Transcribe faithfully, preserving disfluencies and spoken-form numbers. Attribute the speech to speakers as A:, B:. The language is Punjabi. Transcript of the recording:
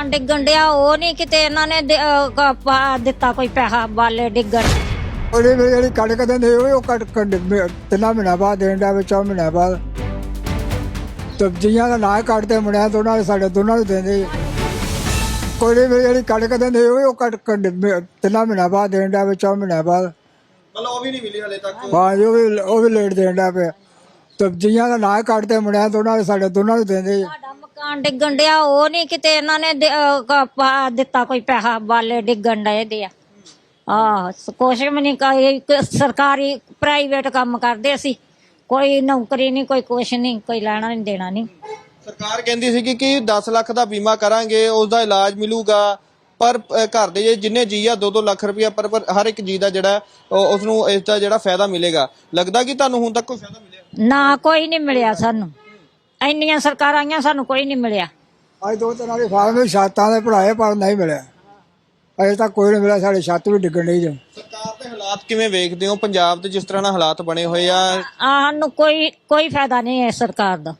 A: ਮਕਾਨ ਡਿੱਗਣ ਡਿਆ ਉਹ ਨਹੀਂ ਕਿਤੇ ਇਹਨਾਂ ਨੇ ਦੇ- ਅਹ ਕ- ਪਾ ਦਿੱਤਾ ਕੋਈ ਪੈਸਾ ਬਾਲੇ ਡਿੱਗਣ।
B: ਉਹਦੇ ਵਿੱਚ ਜਿਹੜੀ ਕਣਕ ਦਿੰਦੇ ਹੋਏ ਉਹ ਕਣਕ ਤਿੰਨਾਂ ਮਹੀਨਿਆਂ ਬਾਅਦ ਦੇਣ ਦਾ ਵਿੱਚ ਚੌਂ ਮਹੀਨਿਆਂ ਬਾਅਦ ਸਬਜ਼ੀਆਂ ਦਾ ਨਾ ਕੱਢਦੇ ਮੁੰਡਿਆਂ ਦੋਨਾਂ ਦੇ ਸਾਡੇ ਦੋਨਾਂ ਨੂੰ ਦਿੰਦੇ। ਕੋਈ ਵੀ ਜਿਹੜੀ ਕਣਕ ਦਿੰਦੇ ਹੋਏ ਉਹ ਕਣਕ ਤਿੰਨਾਂ ਮਹੀਨਿਆਂ ਬਾਅਦ ਦੇਣ ਦਾ ਵਿੱਚ ਚੌਂ ਮਹੀਨਿਆਂ ਬਾਅਦ
C: ਮਤਲਬ ਉਹ ਵੀ ਨਹੀਂ ਮਿਲੀ ਹਲੇ ਤੱਕ।
B: ਹਾਂ ਜੀ, ਉਹ ਵੀ ਉਹ ਵੀ ਲੇਟ ਦੇਣ ਦਾ ਪਿਆ। ਸਬਜ਼ੀਆਂ ਦਾ ਨਾ ਕੱਢਦੇ ਮੁੰਡਿਆਂ ਦੋਨਾਂ ਦੇ ਸਾਡੇ ਦੋਨਾਂ ਨੂੰ ਦਿੰਦੇ।
A: ਸਾਡਾ ਮਕਾਨ ਡਿੱਗਣ ਡਿਆ ਉਹ ਨਹੀਂ ਕਿਤੇ ਇਹਨਾਂ ਨੇ ਦੇ- ਅਹ ਕ- ਪਾ ਦਿੱਤਾ ਕੋਈ ਪੈਸਾ ਬਾਲੇ ਡਿੱਗਣ ਡਏ ਦੇ ਆ। ਆਹ ਕੁਛ ਵੀ ਨਹੀਂ ਕੋਈ ਸਰਕਾਰੀ ਪ੍ਰਾਈਵੇਟ ਕੰਮ ਕਰਦੇ ਅਸੀਂ, ਕੋਈ ਨੌਕਰੀ ਨਹੀਂ, ਕੋਈ ਕੁਛ ਨਹੀਂ, ਕੋਈ ਲੈਣਾ ਨਹੀਂ ਦੇਣਾ ਨਹੀਂ।
C: ਸਰਕਾਰ ਕਹਿੰਦੀ ਸੀ ਕਿ ਦਸ ਲੱਖ ਦਾ ਬੀਮਾ ਕਰਾਂਗੇ, ਉਸ ਦਾ ਇਲਾਜ ਮਿਲੂਗਾ, ਪਰ ਅ, ਘਰ ਦੇ ਜੇ ਜਿੰਨੇ ਜੀ ਆ ਦੋ ਦੋ ਲੱਖ ਰੁਪਇਆ ਪਰ ਪਰ ਹਰ ਇੱਕ ਜੀ ਦਾ ਜਿਹੜਾ ਉਸ ਨੂੰ ਇਸ ਦਾ ਜਿਹੜਾ ਫਾਇਦਾ ਮਿਲੇਗਾ। ਲੱਗਦਾ ਕਿ ਤੁਹਾਨੂੰ ਹੁਣ ਤੱਕ ਕੋਈ ਫਾਇਦਾ ਮਿਲਿਆ?
A: ਨਾ ਕੋਈ ਨਹੀਂ ਮਿਲਿਆ ਸਾਨੂੰ, ਇੰਨੀਆਂ ਸਰਕਾਰਾਂ ਆਈਆਂ ਸਾਨੂੰ ਕੋਈ ਨਹੀਂ ਮਿਲਿਆ।
B: ਅੱਜ ਦੋ ਤਿੰਨ ਵਾਲੀ ਫਾਰਮ ਛੱਤਾਂ ਦੇ ਭਰਾਏ ਪਰ ਨਹੀਂ ਮਿਲਿਆ, ਅਜੇ ਤੱਕ ਕੋਈ ਨਹੀਂ ਮਿਲਿਆ। ਸਾਡੇ ਛੱਤ ਵੀ ਡਿੱਗਣ ਡਈ ਜੇ।
C: ਸਰਕਾਰ ਦੇ ਹਾਲਾਤ ਕਿਵੇਂ ਵੇਖਦੇ ਹੋ ਪੰਜਾਬ ਦੇ, ਜਿਸ ਤਰ੍ਹਾਂ ਨਾਲ ਹਾਲਾਤ ਬਣੇ ਹੋਏ ਆ?
A: ਸਾਨੂੰ ਕੋਈ ਕੋਈ ਫਾਇਦਾ ਨਹੀਂ ਹੈ ਸਰਕਾਰ ਦਾ।